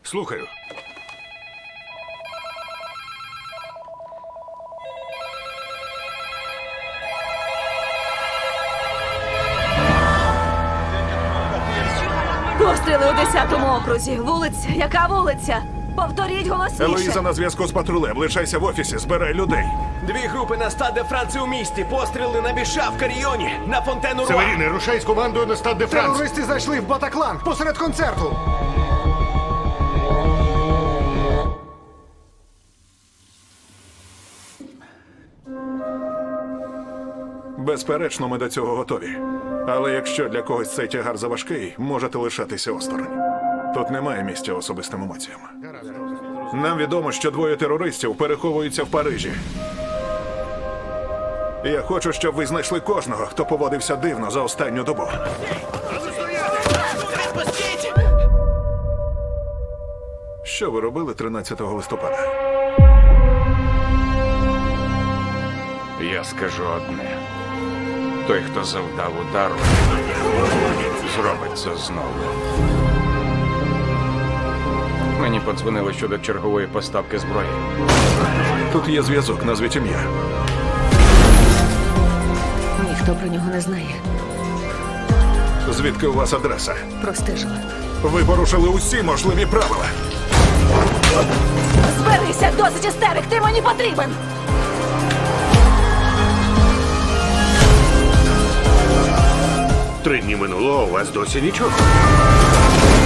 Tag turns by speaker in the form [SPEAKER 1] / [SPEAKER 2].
[SPEAKER 1] Слухаю.
[SPEAKER 2] Постріли у 10-му окрузі. Вулиця. Яка вулиця? Повторіть голосніше.
[SPEAKER 1] Елоїза на зв'язку з патрулем. Лишайся в офісі, збирай людей.
[SPEAKER 3] Дві групи на стад де Франції у місті. Постріли на Біша в Каріоні, на Фонтену Руа.
[SPEAKER 1] Северіни, рушай з командою на стад де Франс.
[SPEAKER 4] Терористи зайшли в Батаклан посеред концерту.
[SPEAKER 1] Безперечно, ми до цього готові. Але якщо для когось цей тягар заважкий, можете лишатися осторонь. Тут немає місця особистим емоціям. Нам відомо, що двоє терористів переховуються в Парижі. Я хочу, щоб ви знайшли кожного, хто поводився дивно за останню добу. Що ви робили 13 листопада?
[SPEAKER 5] Я скажу одне. Той, хто завдав удару, зробить це знову. Мені подзвонили щодо чергової поставки зброї.
[SPEAKER 1] Тут є зв'язок, назвіть ім'я.
[SPEAKER 2] Ніхто про нього не знає.
[SPEAKER 1] Звідки у вас адреса?
[SPEAKER 2] Простежила.
[SPEAKER 1] Ви порушили усі можливі правила.
[SPEAKER 2] Зберися, досить істерик, ти мені потрібен!
[SPEAKER 6] Три дні минуло, а у вас досі нічого.